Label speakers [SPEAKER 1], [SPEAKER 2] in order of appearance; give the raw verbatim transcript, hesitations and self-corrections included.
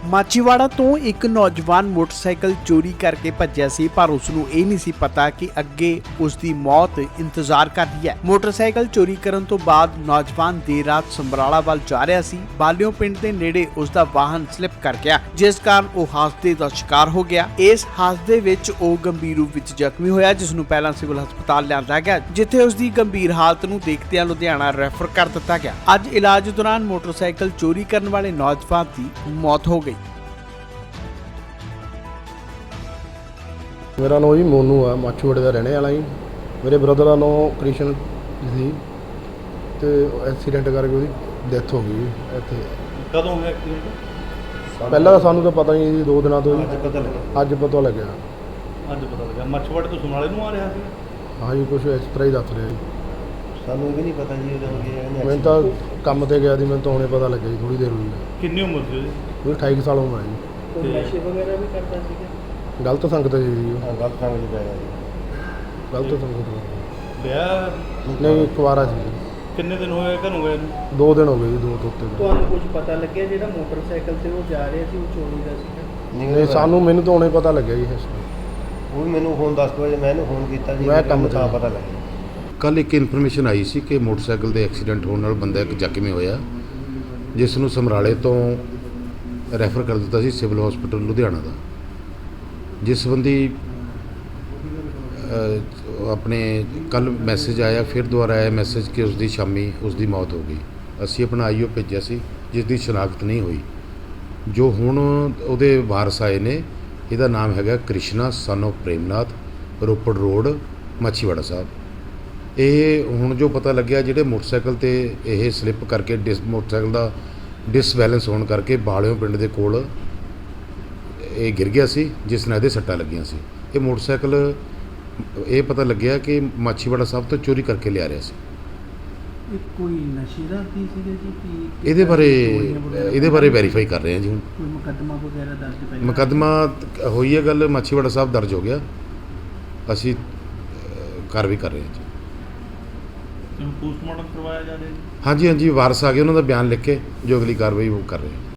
[SPEAKER 1] ਮਾਚੀਵਾੜਾ ਤੋਂ ਇੱਕ ਨੌਜਵਾਨ ਮੋਟਰਸਾਈਕਲ ਚੋਰੀ ਕਰਕੇ ਭੱਜਿਆ ਸੀ, ਪਰ ਉਸ ਨੂੰ ਇਹ ਨਹੀਂ ਸੀ ਪਤਾ ਕਿ ਅੱਗੇ ਉਸ ਦੀ ਮੌਤ ਇੰਤਜ਼ਾਰ ਕਰ ਰਹੀ ਹੈ। ਮੋਟਰਸਾਈਕਲ ਚੋਰੀ ਕਰਨ ਤੋਂ ਬਾਅਦ ਨੌਜਵਾਨ ਦੇਰ ਰਾਤ ਸਮਰਾਲਾ ਵੱਲ ਜਾ ਰਿਹਾ ਸੀ। ਬਾਲਿਓ ਪਿੰਡ ਦੇ ਨੇੜੇ ਉਸ ਦਾ ਵਾਹਨ ਸਲਿਪ ਕਰ ਗਿਆ, ਜਿਸ ਕਾਰਨ ਉਹ ਹਾਦਸੇ ਦਾ ਸ਼ਿਕਾਰ ਹੋ ਗਿਆ। ਇਸ ਹਾਦਸੇ ਵਿੱਚ ਉਹ ਗੰਭੀਰ ਰੂਪ ਵਿੱਚ ਜ਼ਖਮੀ ਹੋਇਆ, ਜਿਸ ਨੂੰ ਪਹਿਲਾਂ ਸਿਵਲ ਹਸਪਤਾਲ ਲਿਆਂਦਾ ਗਿਆ, ਜਿੱਥੇ ਉਸ ਦੀ ਗੰਭੀਰ ਹਾਲਤ ਨੂੰ ਦੇਖਦਿਆਂ ਲੁਧਿਆਣਾ ਰੈਫਰ ਕਰ ਦਿੱਤਾ ਗਿਆ। ਅੱਜ ਇਲਾਜ ਦੌਰਾਨ ਮੋਟਰਸਾਈਕਲ ਚੋਰੀ ਕਰਨ ਵਾਲੇ ਨੌਜਵਾਨ ਦੀ ਮੌਤ ਹੋ ਗਈ।
[SPEAKER 2] मेरा नाम जी मोनू है, माछीवाड़े का रहने वाला जी। मेरे ब्रदर का नाम कृष्ण जी तो एक्सीडेंट करके उसकी डेथ हो गई इतने।
[SPEAKER 3] कदों हो गया एक्सीडेंट?
[SPEAKER 2] पहला तो सानू तो पता नहीं जी, दो दिन तो
[SPEAKER 3] अज पता लगा
[SPEAKER 2] अज पता लग्या।
[SPEAKER 3] अज पता लगा माछीवाड़े तो समराले नूं आ रहा सी?
[SPEAKER 2] हाँ जी, कुछ इस तरह ही दस रहे जी।
[SPEAKER 4] सानू भी नहीं पता जी
[SPEAKER 2] मैं तो काम से गया थी, मैं तो हुणे पता लग्या जी, थोड़ी देर हुई है।
[SPEAKER 3] कितनी उम्र थी उसदी?
[SPEAKER 2] कोई अठाई साल उम्र है जी।
[SPEAKER 3] कोई नशे
[SPEAKER 4] वगैरह भी करता सी?
[SPEAKER 2] गलत संगत है जी,
[SPEAKER 4] गलत संगत पै गया जी।
[SPEAKER 2] गलत संगत
[SPEAKER 3] ब्याह
[SPEAKER 2] नहीं, कुवारा सी जी।
[SPEAKER 3] किन्ने दिन होए घरों गए नूं?
[SPEAKER 2] दो दिन हो गए जी, दो तो उत्ते दिन।
[SPEAKER 5] ਤੁਹਾਨੂੰ ਕੁਝ ਪਤਾ ਲੱਗਿਆ ਜਿਹੜਾ ਮੋਟਰਸਾਈਕਲ ਤੇ ਉਹ ਜਾ ਰਿਹਾ ਸੀ ਉਹ ਚੋਰੀ ਦਾ ਸੀਗਾ?
[SPEAKER 2] नहीं सानू मैनू तो हुणे पता लग्या जी। इस
[SPEAKER 4] वो भी मैनू फोन दस बजे मैं फोन किया जी,
[SPEAKER 2] मैं काम
[SPEAKER 4] ਤਾਂ
[SPEAKER 2] ਤੇ।
[SPEAKER 4] ਪਤਾ ਲੱਗਿਆ।
[SPEAKER 6] ਕੱਲ ਇੱਕ ਇਨਫੋਰਮੇਸ਼ਨ ਆਈ ਸੀ ਕਿ ਮੋਟਰਸਾਈਕਲ ਦੇ ਐਕਸੀਡੈਂਟ ਹੋਣ ਨਾਲ ਬੰਦਾ ਇੱਕ ਜ਼ਖਮੀ ਹੋਇਆ, ਜਿਸ ਨੂੰ ਸਮਰਾਲੇ ਤੋਂ ਰੈਫਰ ਕਰ ਦਿੱਤਾ ਸੀ ਸਿਵਲ ਹਸਪੀਟਲ ਲੁਧਿਆਣਾ ਦਾ। ਜਿਸ ਸੰਬੰਧੀ ਅ, ਆਪਣੇ ਕੱਲ ਮੈਸੇਜ ਆਇਆ, ਫਿਰ ਦੁਬਾਰਾ ਆਇਆ ਮੈਸੇਜ ਕਿ ਉਸ ਦੀ ਸ਼ਾਮੀ ਉਸ ਦੀ ਮੌਤ ਹੋ ਗਈ। ਅਸੀਂ ਆਪਣਾ ਆਈਓ ਭੇਜਿਆ ਸੀ, ਜਿਸ ਦੀ ਸ਼ਨਾਖਤ ਨਹੀਂ ਹੋਈ। ਜੋ ਹੁਣ ਉਹਦੇ ਵਾਰਸ ਆਏ ਨੇ, ਇਹਦਾ ਨਾਮ ਹੈਗਾ Krishna son of Premnath, Ropar road, Machhiwara Sahib. ਇਹ ਹੁਣ ਜੋ ਪਤਾ ਲੱਗਿਆ, ਜਿਹੜੇ ਮੋਟਰਸਾਈਕਲ ਤੇ ਇਹ ਸਲਿੱਪ ਕਰਕੇ ਡਿਸ ਮੋਟਰਸਾਈਕਲ ਦਾ ਡਿਸਬੈਲੈਂਸ ਹੋਣ ਕਰਕੇ ਬਾਲਿਓ ਪਿੰਡ ਦੇ ਕੋਲ ਇਹ ਗਿਰ ਗਿਆ ਸੀ, ਜਿਸ ਨਾਲ ਇਹਦੇ ਸੱਟਾਂ ਲੱਗੀਆਂ ਸੀ। ਇਹ ਮੋਟਰਸਾਈਕਲ ਇਹ ਪਤਾ ਲੱਗਿਆ ਕਿ ਮਾਛੀਵਾੜਾ ਸਾਹਿਬ ਤੋਂ ਚੋਰੀ ਕਰਕੇ ਲਿਆ ਰਿਹਾ ਸੀ।
[SPEAKER 5] ਇਹ ਕੋਈ ਨਸ਼ੇ ਦਾ ਕੀ ਸੀਗਾ ਜੀ? ਕਿ
[SPEAKER 6] ਇਹਦੇ ਬਾਰੇ ਇਹਦੇ ਬਾਰੇ ਵੈਰੀਫਾਈ ਕਰ ਰਹੇ ਹਾਂ ਜੀ। ਹੁਣ
[SPEAKER 5] ਕੋਈ ਮੁਕੱਦਮਾ ਵਗੈਰਾ ਦਰਜ ਪਹਿਲਾਂ?
[SPEAKER 6] ਮੁਕੱਦਮਾ ਹੋਈ ਹੈ ਗੱਲ, ਮਾਛੀਵਾੜਾ ਸਾਹਿਬ ਦਰਜ ਹੋ ਗਿਆ। ਅਸੀਂ ਕਾਰਵਾਈ ਕਰ ਰਹੇ ਹਾਂ ਜੀ।
[SPEAKER 3] पोस्टमार्टम करवाया जा रहा है?
[SPEAKER 6] ਹਾਂਜੀ ਹਾਂਜੀ, ਵਾਰਸ ਆ ਗਏ, ਉਹਨਾਂ ਦਾ ਬਿਆਨ ਲਿਖ ਕੇ ਜੋ ਅਗਲੀ ਕਾਰਵਾਈ ਉਹ ਕਰ ਰਹੇ ਹਾਂ।